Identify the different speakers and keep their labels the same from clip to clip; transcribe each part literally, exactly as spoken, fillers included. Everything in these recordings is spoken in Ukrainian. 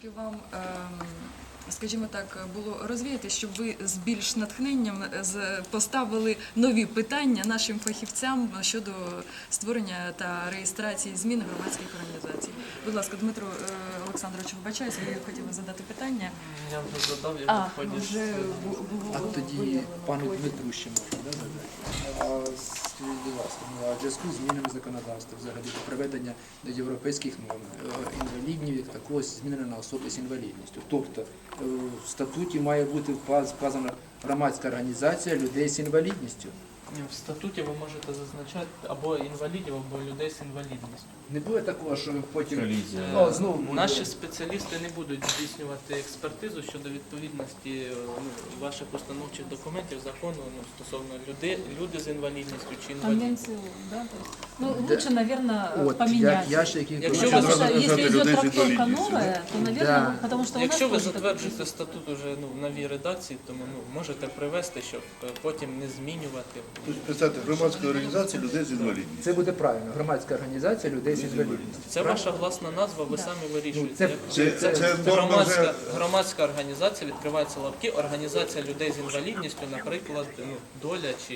Speaker 1: трошки вам, ем, скажімо так, було розвіяти, щоб ви з більш натхненням з- поставили нові питання нашим фахівцям щодо створення та реєстрації змін громадських організацій. Будь ласка, Дмитро е, Олександрович, вибачаюсь, ви хотіли задати питання.
Speaker 2: Я вже задав, я
Speaker 1: А,
Speaker 2: в ході.
Speaker 1: вже бу- було
Speaker 3: А тоді
Speaker 1: виявлено.
Speaker 3: пану Дмитру ще можна, да, задати? А скажіть, будь ласка, ну, а в зв'язку з змінами законодавства, взагалі до приведення до європейських норм, е, інвалідів як такого змінено на особи з інвалідністю. Тобто е, в статуті має бути вказ- вказана громадська організація людей з інвалідністю.
Speaker 2: В статуті ви можете зазначати або інвалідів, або людей з інвалідністю.
Speaker 3: Не буде такого, що потім
Speaker 4: Колізія.
Speaker 3: О, знову буде.
Speaker 2: Наші спеціалісти не будуть здійснювати експертизу щодо відповідності е, ну, ваших установчих документів закону ну, стосовно людей, люди з інвалідністю чи інвалідів.
Speaker 5: Конвенцию, да? то есть, ну,
Speaker 3: Да.
Speaker 5: лучше, наверное,
Speaker 3: От, я,
Speaker 5: поменять.
Speaker 3: я ще який
Speaker 2: Якщо
Speaker 5: Потому
Speaker 2: ви
Speaker 5: что
Speaker 4: Надо
Speaker 5: если
Speaker 4: назвать
Speaker 5: идет
Speaker 4: людей с
Speaker 5: трактовка
Speaker 4: инвалидностью,
Speaker 5: новая, то, наверное,
Speaker 3: Да.
Speaker 5: потому что у нас
Speaker 2: Якщо ви
Speaker 5: тоже такое
Speaker 2: затверджуєте статут уже ну, в новій редакції, тому ну, можете привести, щоб е, потім не змінювати.
Speaker 4: Тобто, представте, громадська організація людей з інвалідністю.
Speaker 3: Це буде правильно. Громадська організація людей з інвалідністю.
Speaker 2: Це ваша власна назва, ви самі вирішуєте.
Speaker 3: це-
Speaker 2: Як-
Speaker 4: Це, це, це норма
Speaker 2: Громадська,
Speaker 4: вже...
Speaker 2: громадська організація, відкриваються лапки, організація людей з інвалідністю, наприклад, ну, доля чи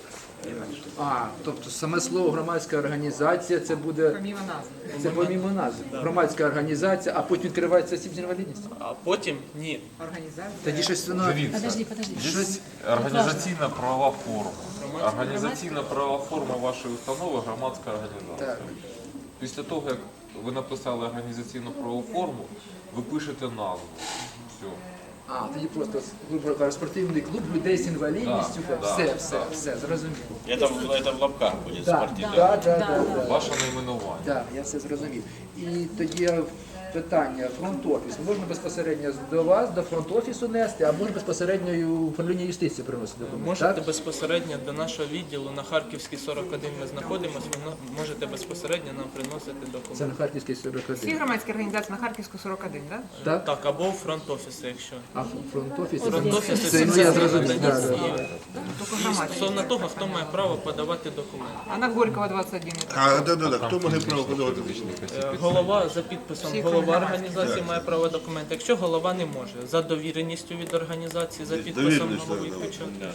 Speaker 3: А, тобто саме слово громадська організація це буде
Speaker 5: помимо назви.
Speaker 3: це помімо назви. Громадська організація, а потім відкривається осіб з інвалідністю.
Speaker 2: а потім ні.
Speaker 5: Организация.
Speaker 3: Тоді щось воно
Speaker 5: Подожди, подожди.
Speaker 3: щось.
Speaker 6: Організаційна правова форма. Організаційна правова форма вашої установи громадська організація.
Speaker 3: Так.
Speaker 6: Після того, як ви написали організаційну правову форму, ви пишете назву. Все.
Speaker 3: А, тоді просто грубо кажучи, спортивний клуб людей з інвалідністю.
Speaker 6: Да, да,
Speaker 3: все, все,
Speaker 6: да.
Speaker 3: все, зрозуміло.
Speaker 7: Это, в- это в лапках будет
Speaker 3: Так,
Speaker 7: спортивный.
Speaker 3: так, так,
Speaker 5: Да,
Speaker 3: так,
Speaker 5: да.
Speaker 3: так.
Speaker 6: Ваше найменування.
Speaker 3: Так, я все зрозумів. І тоді питання, фронт-офіс. Можна безпосередньо до вас, до фронт-офісу нести, а можна безпосередньо і у управління юстиції приносити документи,
Speaker 2: Можете
Speaker 3: так?
Speaker 2: безпосередньо до нашого відділу на Харківській сорок один ми знаходимося, ви на- можете безпосередньо нам приносити
Speaker 3: Це
Speaker 2: документи.
Speaker 3: на Харківській сорок
Speaker 8: Всі
Speaker 3: один.
Speaker 8: громадські організації на Харківську сорок один, так?
Speaker 3: Так?
Speaker 2: Так, або фронт-офіси, якщо.
Speaker 3: А фронт-офіс?
Speaker 2: Фронт-офіси
Speaker 3: Це ну, я зрозумів.
Speaker 2: надані
Speaker 3: Да, да,
Speaker 2: і-
Speaker 3: да.
Speaker 8: Тільки
Speaker 2: І
Speaker 8: громадські.
Speaker 2: стосовно того, хто має право подавати документи.
Speaker 8: А на Горького двадцять один.
Speaker 4: А, да, да, да. Хто має право подавати?
Speaker 2: Е, Голова за підписом
Speaker 8: Всі
Speaker 2: голова
Speaker 8: громадські.
Speaker 2: організації має право документи. Якщо голова не може, за довіреністю від організації, за підписом
Speaker 4: Довіреність,
Speaker 2: голови
Speaker 4: да, да.
Speaker 2: печатки.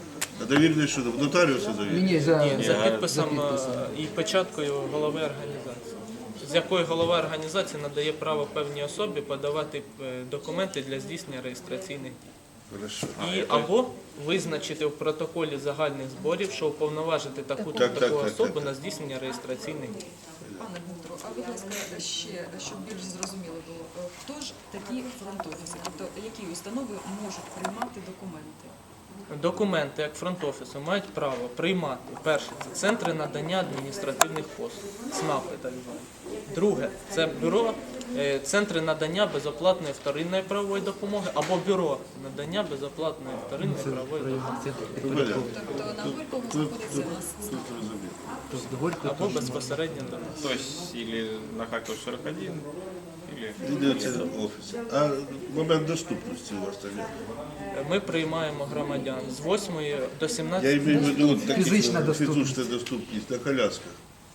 Speaker 4: А довірний що? В нотаріуса
Speaker 3: Ні,
Speaker 4: довірний?
Speaker 3: ні, за...
Speaker 2: Ні, за підписом
Speaker 3: за підписом.
Speaker 2: е, і печаткою голови організації, з якої голова організації надає право певній особі подавати е, документи для здійснення реєстраційних дій.
Speaker 4: Хорошо.
Speaker 2: І або визначити в протоколі загальних зборів, що уповноважити таку
Speaker 4: Так, так,
Speaker 2: таку
Speaker 4: так,
Speaker 2: особу
Speaker 4: так.
Speaker 2: на здійснення реєстраційних дій.
Speaker 1: Пане Дмитро, а будь ласка, ще, щоб більш зрозуміло було, е, хто ж такі фронт-офіси, тобто які установи можуть приймати документи?
Speaker 2: Документи, як фронт-офісу, мають право приймати, перше, це центри надання адміністративних послуг, ЦНАПи так звані. Друге, це бюро, е, центри надання безоплатної вторинної правової допомоги або бюро надання безоплатної вторинної правової допомоги.
Speaker 4: Валя,
Speaker 1: Тобто на Горького знаходиться у нас
Speaker 4: тут розумію.
Speaker 3: Тобто Горького
Speaker 2: Або
Speaker 3: теж можна.
Speaker 2: безпосередньо до нас.
Speaker 7: То есть или на Харьков сорок один, или...
Speaker 4: Йдеться офіс. А момент доступності у вас там є?
Speaker 2: Ми приймаємо громадян з восьмої до
Speaker 4: Я
Speaker 2: сімнадцятої.
Speaker 4: имею в виду такі
Speaker 3: Фізична доступність.
Speaker 4: фізична доступність на колясках.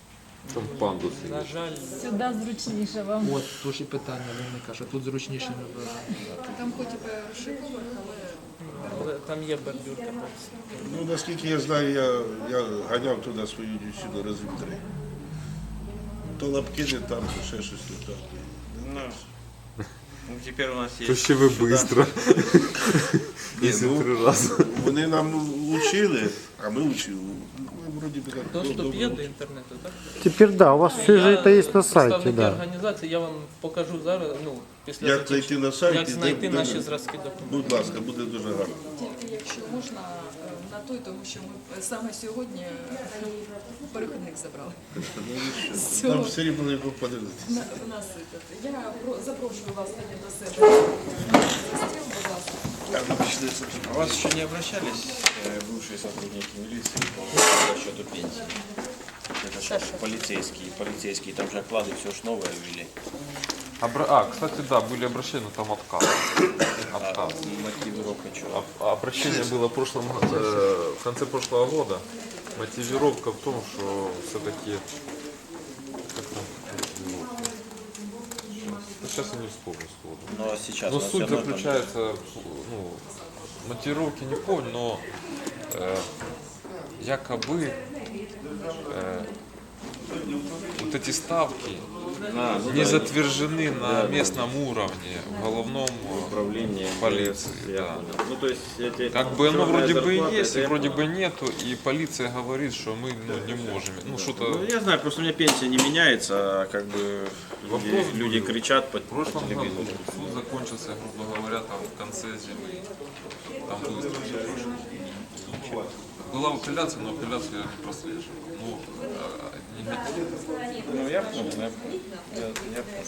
Speaker 6: Там пандуси.
Speaker 2: На жаль,
Speaker 5: Сюда зручніше вам.
Speaker 3: От, тож і питання виникає, що тут зручніше набирати.
Speaker 1: там хоч і перший поверх, але
Speaker 2: але там є бордюрка.
Speaker 4: Ну, наскільки я знаю, я, я ганяв туди свою дівчину разів три. То лапки не там, то ще щось не так.
Speaker 7: Ну, ну, теперь у нас
Speaker 6: То
Speaker 7: есть...
Speaker 6: ще ви швидко.
Speaker 4: Ні,
Speaker 6: Якщо
Speaker 4: ну,
Speaker 6: три рази.
Speaker 4: Вони нам учили, а ми учили. Ми вроді би так
Speaker 2: Доступ
Speaker 4: добре
Speaker 2: є до
Speaker 4: учили.
Speaker 2: інтернету, так?
Speaker 9: Теперь да, у вас все же это есть на сайте,
Speaker 2: Представники
Speaker 9: да.
Speaker 2: організації, я вам покажу зараз, ну, після
Speaker 4: Як
Speaker 2: закінчення,
Speaker 4: зайти на сайт
Speaker 2: як
Speaker 4: і де-
Speaker 2: знайти
Speaker 4: де-
Speaker 2: наші зразки документів.
Speaker 4: Будь ласка, буде дуже гарно.
Speaker 1: тільки якщо можна е, на той, тому що ми саме сьогодні е, перехідник забрали. З
Speaker 4: Нам
Speaker 1: цього
Speaker 4: все рівно його подивитися.
Speaker 1: на- насипати. Я про- запрошую вас тоді до себе за стіл, будь ласка.
Speaker 7: А вас еще не обращались э, бывшие сотрудники милиции по счету пенсии? Это же полицейские, полицейские, там же оклады все ж новое ввели.
Speaker 6: Обра- А, кстати, да, были обращения, но там отказ. Отказ.
Speaker 7: Мотивировка чего?
Speaker 6: Об- Обращение было в, прошлом, э, в конце прошлого года. Мотивировка в том, что все-таки... Сейчас сейчас я не вспомню сходу.
Speaker 7: Но сейчас
Speaker 6: Но
Speaker 7: у нас
Speaker 6: суть
Speaker 7: всё равно там
Speaker 6: заключается, ну, мотивировки не помню, но э, якобы э, вот эти ставки
Speaker 7: А, ну
Speaker 6: не
Speaker 7: да,
Speaker 6: затвержены на местном уровне в головном
Speaker 7: управление
Speaker 6: полиции.
Speaker 7: я
Speaker 6: Да.
Speaker 7: понял. Ну, то есть эти
Speaker 6: Как бы оно
Speaker 7: черные
Speaker 6: вроде бы и
Speaker 7: зарплаты,
Speaker 6: есть,
Speaker 7: это
Speaker 6: и
Speaker 7: я
Speaker 6: вроде бы нету, и полиция говорит, что мы ну, не можем. Ну
Speaker 7: Ну,
Speaker 6: что-то
Speaker 7: я знаю, просто у меня пенсия не меняется, а как бы люди,
Speaker 6: Вопрос
Speaker 7: люди
Speaker 6: был.
Speaker 7: кричат по
Speaker 6: в прошлом году
Speaker 7: телевизору.
Speaker 6: суд закончился, грубо говоря, там в конце зимы. Там быстро все прошло. Была апелляция, но апелляцию я не прослеживал. Ну, а, не-
Speaker 7: Ну, я понял, я понял. Я, я понял.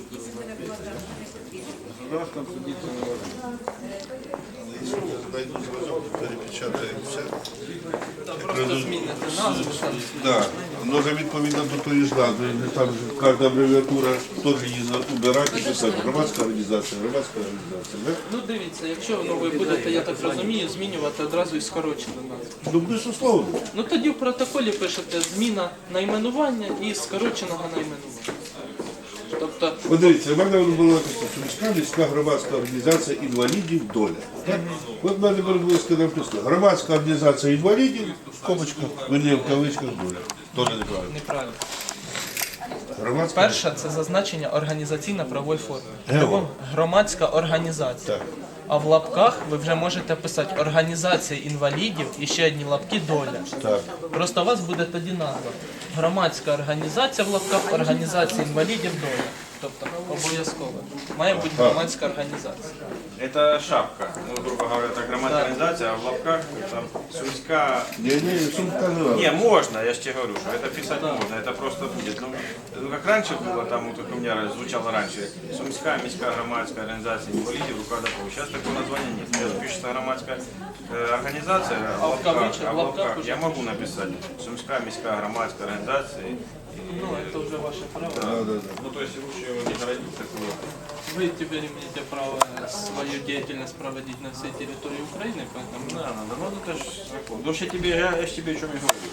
Speaker 4: Государством судиться не можно. Если найду звонок, перепечатаємо все.
Speaker 2: Просто змінити назву. там.
Speaker 4: Да, но же відповідно до тої ж назви, там кожна абревіатура теж її убирати, писати. Громадська організація, громадська організація, да?
Speaker 2: Ну дивіться, якщо ну, ви будете, я так розумію, змінювати одразу і скорочену назву.
Speaker 4: Ну, безусловно.
Speaker 2: Ну тоді в протоколі пишете зміна найменування і скороченого найменування. Тобто,
Speaker 4: От дивіться, в мене була така Сумська міська громадська організація інвалідів «Доля». Так? От в мене було написано громадська організація інвалідів, в скобочках, верні в кавичках «Доля». Теж неправильно.
Speaker 2: неправильно.
Speaker 4: Громадська
Speaker 2: Перше це зазначення організаційно-правової форми.
Speaker 4: Гео.
Speaker 2: Любом- Громадська організація.
Speaker 4: Так.
Speaker 2: А в лапках ви вже можете писати організація інвалідів і ще одні лапки доля.
Speaker 4: Так.
Speaker 2: Просто у вас буде тоді назва. Громадська організація в лапках, організація інвалідів доля. Тобто обов'язково. Має бути громадська організація.
Speaker 7: Это шапка, ну, грубо говоря, это громадская организация, а в лапках там Сумська.
Speaker 4: Ні, ні, Сумська не надо.
Speaker 7: Не, можно, я же тебе говорю, что это писать можно, это просто будет. Ну, ну, как раньше было, там, вот, как у меня звучало раньше, Сумська міська громадська организация инвалидов, рукодопов. Сейчас такого названия нет. Сейчас пишется громадская э, организация, а в
Speaker 2: в
Speaker 7: лапках,
Speaker 2: кавычках,
Speaker 7: а в
Speaker 2: в лапках
Speaker 7: лапках
Speaker 2: уже
Speaker 7: я могу написать Сумська міська громадська организация.
Speaker 2: Ну, це вже ваше право.
Speaker 4: Да, да, да.
Speaker 7: Ну, то есть лучше его не городить такое.
Speaker 2: Вы теперь имеете право свою деятельность проводить на всей территории Украины, поэтому
Speaker 7: Да, надо, ну это ж закон. Ну, ж я тебе, я, я ж тебе о чем и говорю.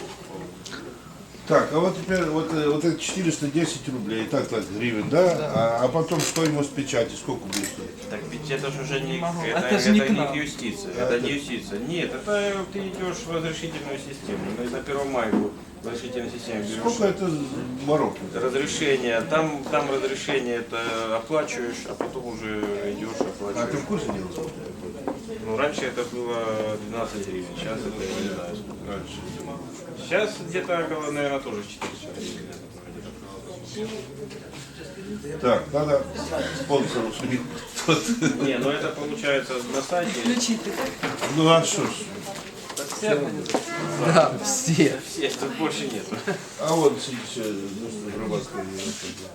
Speaker 4: Так, а вот теперь вот, э, вот это четыреста десять рублей, так, так, гривен, да? А, а потом стоимость печати сколько будет стоить?
Speaker 7: Так ведь это же уже не,
Speaker 2: могу.
Speaker 7: это,
Speaker 2: Это же не
Speaker 7: это
Speaker 2: к
Speaker 7: не
Speaker 2: нам.
Speaker 7: юстиция, это не юстиция. Нет, это ты идешь в разрешительную систему. Ну, на Первомайку в разрешительной системе берешь
Speaker 4: Сколько это Марокко?
Speaker 7: разрешение, там, там разрешение это оплачиваешь, а потом уже идешь
Speaker 4: А ты
Speaker 7: оплачиваешь.
Speaker 4: в курсе дела?
Speaker 7: Ну, раньше это было двенадцать гривен, сейчас это я не знаю сколько. Раньше. Сейчас где-то около, наверное, тоже четыреста гривен.
Speaker 4: Так, надо спонсору судить.
Speaker 7: Не, ну это получается на сайте.
Speaker 1: Включити, так?
Speaker 4: Ну а что ж?
Speaker 2: все организации.
Speaker 5: Да, всі.
Speaker 7: Все, тут больше нету.
Speaker 4: А вот сейчас громадская организация.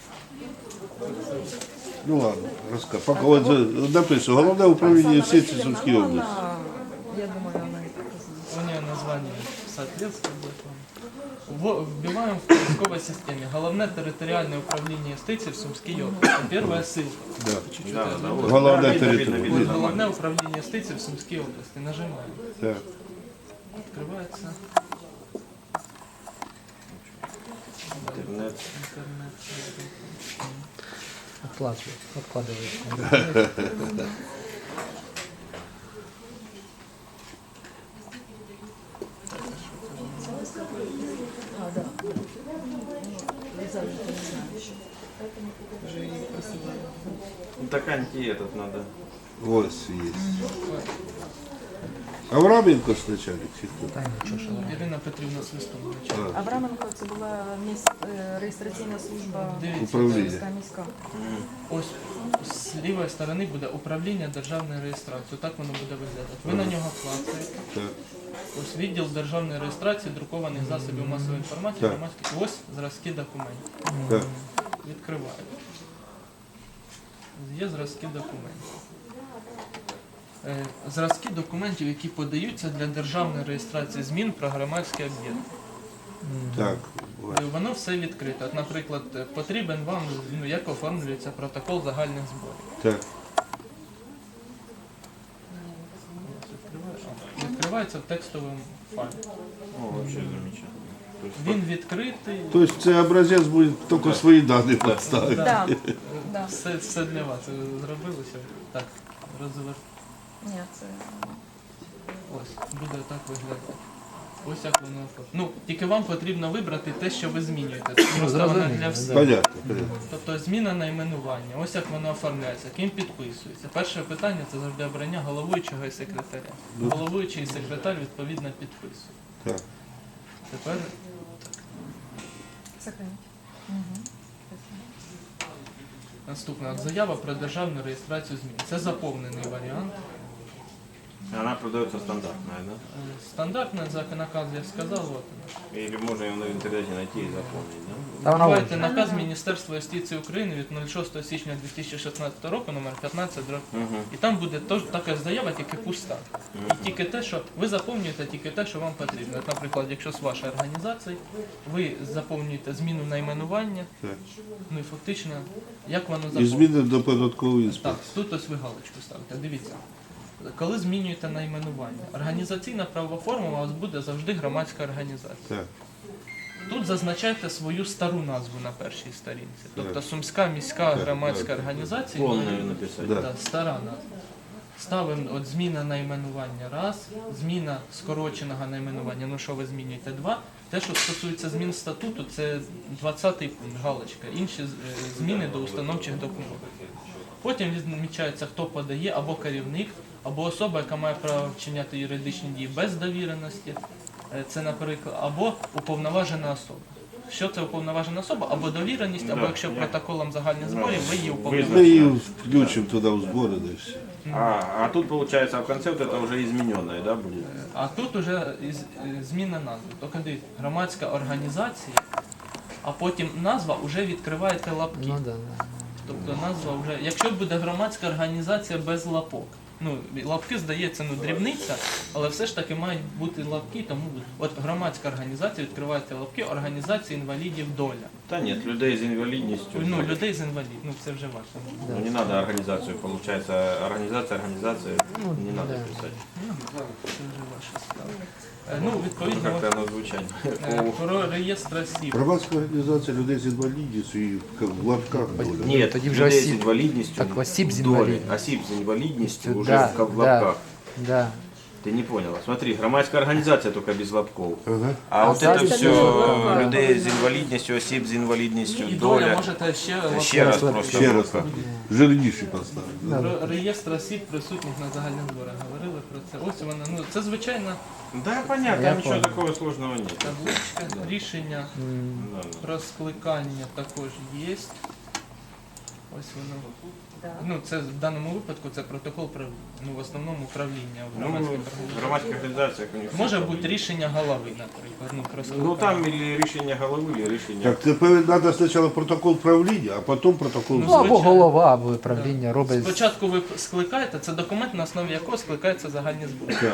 Speaker 4: Ну ладно, расскажи. Пока вот за- написано, Головне управління юстиції Сумської області.
Speaker 5: Я думаю, вона і так знає.
Speaker 2: У нее название соответствует вам. В- Вбиваем в поисковой системе. Головне територіальне управління юстиції в Сумській області. Первая ссылка.
Speaker 4: Да.
Speaker 2: Чуть-чуть
Speaker 7: Да,
Speaker 2: это-
Speaker 7: да, вот.
Speaker 4: Головне
Speaker 7: Да, видно,
Speaker 4: територія.
Speaker 7: видно, видно.
Speaker 2: Головне управління юстиції в Сумській області. Нажимаем.
Speaker 4: Так.
Speaker 2: Открывается
Speaker 7: Интернет.
Speaker 2: интернет.
Speaker 5: Откладує, откладує.
Speaker 7: Ну, так анти этот надо.
Speaker 4: Вот есть. Авраменко начальник чи хто?
Speaker 5: Та нічого, що вона.
Speaker 2: Ірина Петрівна Свистун.
Speaker 10: Авраменко це була міс... е, реєстраційна служба
Speaker 2: Дивіться,
Speaker 4: Управління.
Speaker 10: Сумська міська.
Speaker 2: ось з лівої сторони буде управління державної реєстрації. Так воно буде виглядати. Ви на нього клацаєте.
Speaker 4: Так.
Speaker 2: Ось відділ державної реєстрації друкованих засобів масової інформації,
Speaker 4: Так.
Speaker 2: громадських. Ось зразки документів.
Speaker 4: Так.
Speaker 2: Відкриваєте. Є зразки документів. Е, Зразки документів, які подаються для державної реєстрації змін про громадське об'єднання.
Speaker 4: Так.
Speaker 2: Е, Воно все відкрите. От, наприклад, е, потрібен вам, ну, як оформлюється протокол загальних зборів.
Speaker 4: Так.
Speaker 2: Відкривається в текстовому файлі.
Speaker 7: О, вообще замечательно. То есть
Speaker 2: Він відкритий.
Speaker 4: То есть це образець буде тільки свої дані поставити.
Speaker 10: Да. Да.
Speaker 2: Все, все для вас. Ви зробили все. Так, розвер.
Speaker 10: Ні, це
Speaker 2: Ось, буде так виглядати. Ось як воно. Ну, тільки вам потрібно вибрати те, що ви змінюєте. Це просто воно для всіх.
Speaker 4: Понятно, понятно.
Speaker 2: Тобто зміна найменування, ось як воно оформляється, ким підписується. Перше питання це завжди обрання головуючого і секретаря. Головуючий і секретар відповідно підписують.
Speaker 4: Так.
Speaker 2: Тепер
Speaker 10: сохранить.
Speaker 2: наступна заява про державну реєстрацію змін. Це заповнений варіант.
Speaker 7: Она продается стандартная, да?
Speaker 2: Е, Стандартний наказ, я сказав, от.
Speaker 7: Или можно ее в интернете найти и заполнить, да?
Speaker 9: Та вона
Speaker 2: Бувайте
Speaker 9: вже.
Speaker 2: наказ Міністерства юстиції України від шостого січня дві тисячі шістнадцятого року, номер п'ятнадцять, дроб.
Speaker 7: Угу.
Speaker 2: І там буде тож така заява, тільки пуста. І тільки те, що ви заповнюєте тільки те, що вам потрібно. От, наприклад, якщо з вашої організації, ви заповнюєте зміну найменування,
Speaker 4: Так.
Speaker 2: ну і фактично, як воно
Speaker 4: І
Speaker 2: заповнюється.
Speaker 4: зміни до податкової
Speaker 2: Так,
Speaker 4: інспекції.
Speaker 2: тут ось ви галочку ставите. Дивіться. Коли змінюєте найменування, організаційна правова форма у вас буде завжди громадська організація.
Speaker 4: Так.
Speaker 2: Тут зазначайте свою стару назву на першій сторінці. Тобто Сумська міська громадська організація.
Speaker 7: Полную написать.
Speaker 4: Да.
Speaker 2: Так, стара назва. Ставимо от зміна найменування раз, зміна скороченого найменування, ну що ви змінюєте два. Те, що стосується змін статуту, це двадцятий пункт, галочка. Інші е, зміни до установчих документів. Потім відмічається, хто подає, або керівник, або особа, яка має право вчиняти юридичні дії без довіреності. Е, Це, наприклад, або уповноважена особа. Що це уповноважена особа? Або довіреність, або
Speaker 7: Да,
Speaker 2: якщо
Speaker 7: я-
Speaker 2: протоколом загальних зборів ви її
Speaker 4: Ми
Speaker 2: уповноважені.
Speaker 4: її включимо туди в збори, да і все.
Speaker 7: А, а тут получается в конце вот это уже измененное, да, будет?
Speaker 2: А тут уже із- е, зміна назви. Тобто дивіться, громадська організація, а потім назва вже відкриваєте лапки.
Speaker 5: Ну да, да.
Speaker 2: Тобто назва вже, якщо буде громадська організація без лапок, ну лапки здається, ну дрібниця, але все ж таки мають бути лапки, тому от громадська організація відкриваєте лапки, організація інвалідів доля.
Speaker 7: Да нет, людей с инвалидностью.
Speaker 2: Ну людей з інвалідів, ну це вже ваше.
Speaker 7: Ну, не надо организацию, получается, организация, организация, не надо
Speaker 5: да.
Speaker 7: писать.
Speaker 2: Це вже ваша справа. Е, Ну,
Speaker 7: Ну,
Speaker 2: відповідно,
Speaker 7: как-то оно звучать.
Speaker 2: е, про реєстр осіб.
Speaker 4: Громадська організація людей з інвалідністю і в лапках доля.
Speaker 7: Нет,
Speaker 5: Тоді вже
Speaker 7: людей с
Speaker 5: осіб.
Speaker 7: инвалидностью.
Speaker 5: Так, осіб з
Speaker 7: в доле.
Speaker 5: інвалідністю.
Speaker 7: Осіб с инвалидностью уже
Speaker 5: Да,
Speaker 7: в ка- в
Speaker 5: да.
Speaker 7: лапках.
Speaker 5: Да.
Speaker 7: Ты не поняла. Смотри, громадская организация только без лапков.
Speaker 4: Ага.
Speaker 7: А, вот
Speaker 5: сзади
Speaker 7: это
Speaker 5: тоже
Speaker 7: все
Speaker 10: лапка.
Speaker 7: людей з інвалідністю, осіб з інвалідністю,
Speaker 2: І доля
Speaker 7: доля.
Speaker 2: можете ще лапки.
Speaker 7: Ще раз просто.
Speaker 4: Ще раз так. Жирніші поставити. да.
Speaker 2: Про реєстр осіб присутніх на загальних зборах говорили про це. Ось вона, ну це звичайна
Speaker 7: Да, понятно,
Speaker 5: Я
Speaker 7: там ничего
Speaker 5: понял.
Speaker 7: такого сложного нет.
Speaker 2: табличка. Рішення
Speaker 7: Да, да.
Speaker 2: про скликання також є. Ось воно. Ну, це в даному випадку це протокол правління. Ну, в основному управління в
Speaker 7: Ну,
Speaker 2: громадських
Speaker 7: в
Speaker 2: організаціях.
Speaker 7: громадських організаціях у них
Speaker 2: Може
Speaker 7: все
Speaker 2: бути рішення голови, наприклад. Ну, про
Speaker 7: Ну
Speaker 2: скликання.
Speaker 7: там или рішення голови, или рішення.
Speaker 4: Так, тепер треба спочатку протокол правління, а потім протокол.
Speaker 2: Ну,
Speaker 5: Ну або
Speaker 2: звичайно.
Speaker 5: голова, або правління робить.
Speaker 2: Спочатку ви скликаєте, це документ, на основі якого скликаються загальні збори.
Speaker 4: Так.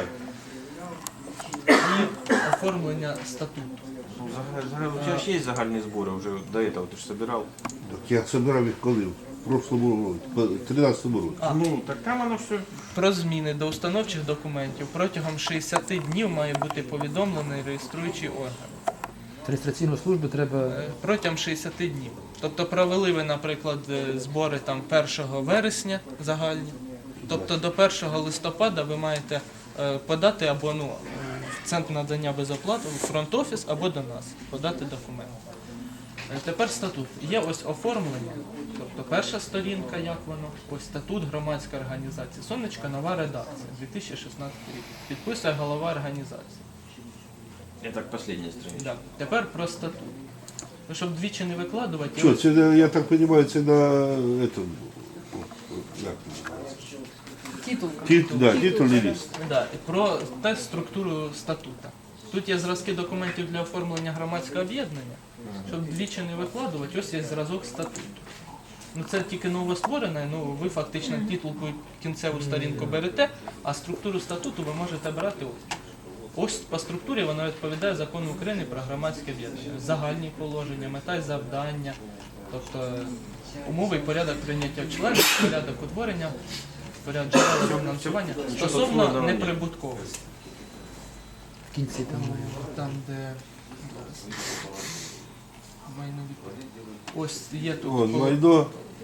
Speaker 2: І оформлення статуту.
Speaker 7: Ну, загал- загал- у тебя же есть загальні збори вже до этого, ти ж собирав.
Speaker 4: Так я собирав їх коли? В прошлому році, в тринадцятому році.
Speaker 2: А.
Speaker 7: Ну, так там воно все.
Speaker 2: Про зміни до установчих документів протягом шістдесят днів має бути повідомлений реєструючий орган.
Speaker 5: Реєстраційну службу треба.
Speaker 2: Е, Протягом шістдесят днів. Тобто провели ви, наприклад, е, збори там першого вересня загальні. Тобто до першого листопада ви маєте е, подати або ну, в центр надання безоплати, в фронт-офіс, або до нас подати документи. Е, Тепер статут. Є ось оформлення, тобто перша сторінка, як воно, ось статут громадської організації. Сонечка, нова редакція, дві тисячі шістнадцятий рік. Підписує голова організації.
Speaker 7: Это последняя страница.
Speaker 2: Да. Тепер про статут. Ну, щоб двічі не викладувати,
Speaker 4: Що,
Speaker 2: ось-
Speaker 4: це, на- я так розумію, це на этом, як
Speaker 10: титул.
Speaker 4: Тит, да, титульний лист.
Speaker 2: Да, і про та структуру статута. Тут є зразки документів для оформлення громадського об'єднання, щоб двічі не викладувати, ось є зразок статуту. Ну це тільки новостворене, ну ви фактично титулку кінцеву сторінку берете, а структуру статуту ви можете брати ось. Ось по структурі вона відповідає закону України про громадське об'єднання. Загальні положення, мета і завдання, тобто умови і порядок прийняття членів, порядок утворення, порядок джерела фінансування стосовно
Speaker 7: складного ні.
Speaker 2: неприбутковості.
Speaker 5: В кінці там має бути.
Speaker 2: Там, де зараз майнові. Ось є тут
Speaker 4: Вон,
Speaker 2: по-
Speaker 4: майно,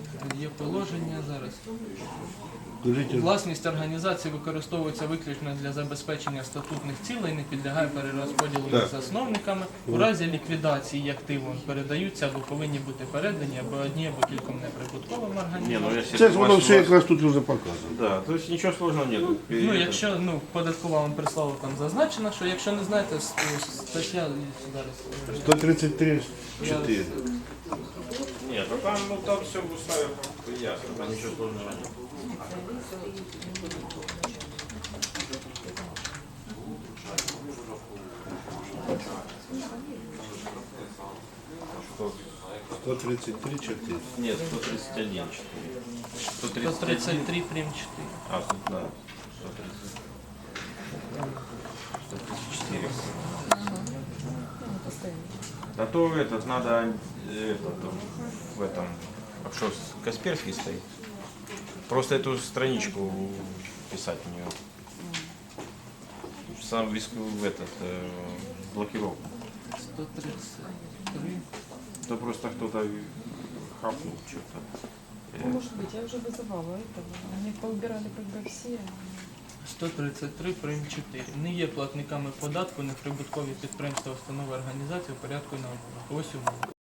Speaker 2: Є положення зараз.
Speaker 4: Скажіть,
Speaker 2: Власність організації використовується виключно для забезпечення статутних цілей, не підлягає перерозподілу
Speaker 4: Так.
Speaker 2: між засновниками. У разі ліквідації активів передаються або повинні бути передані або одні, або кільком неприбутковим
Speaker 7: Не,
Speaker 2: організаціям.
Speaker 7: ну если
Speaker 4: це
Speaker 7: у
Speaker 4: ж
Speaker 7: вас-
Speaker 4: воно
Speaker 7: у
Speaker 4: все
Speaker 7: вас-
Speaker 4: якраз тут вже показано.
Speaker 7: Да, то есть ничего сложного нет.
Speaker 2: Ну, якщо ну, податкова вам прислала, там зазначено, що якщо не знаєте, с- стаття зараз.
Speaker 4: сто тридцять три чотири.
Speaker 7: Нет, ну там, ну, там все в уставе ясно, там ничего сложного нет.
Speaker 4: сто тридцать три чотири.
Speaker 7: Нет, сто тридцать один четыре. сто
Speaker 2: сто
Speaker 7: тридцать один.
Speaker 2: тридцять три прим. чотири.
Speaker 7: А, тут, да. сто тридцать. сто тридцать четыре. А то этот надо, э, этот, в этом, а что, Касперский стоит? Просто эту страничку писать в нее. Сам риск в этот, э, блокировку.
Speaker 2: сто тридцать три.
Speaker 7: То просто кто-то хапнул что-то.
Speaker 10: Ну, может быть, я уже вызывала этого. Они поубирали как бы все.
Speaker 2: сто тридцять три прим. чотири. Не є платниками податку неприбуткові підприємства, установи, організації у порядку на ось умови.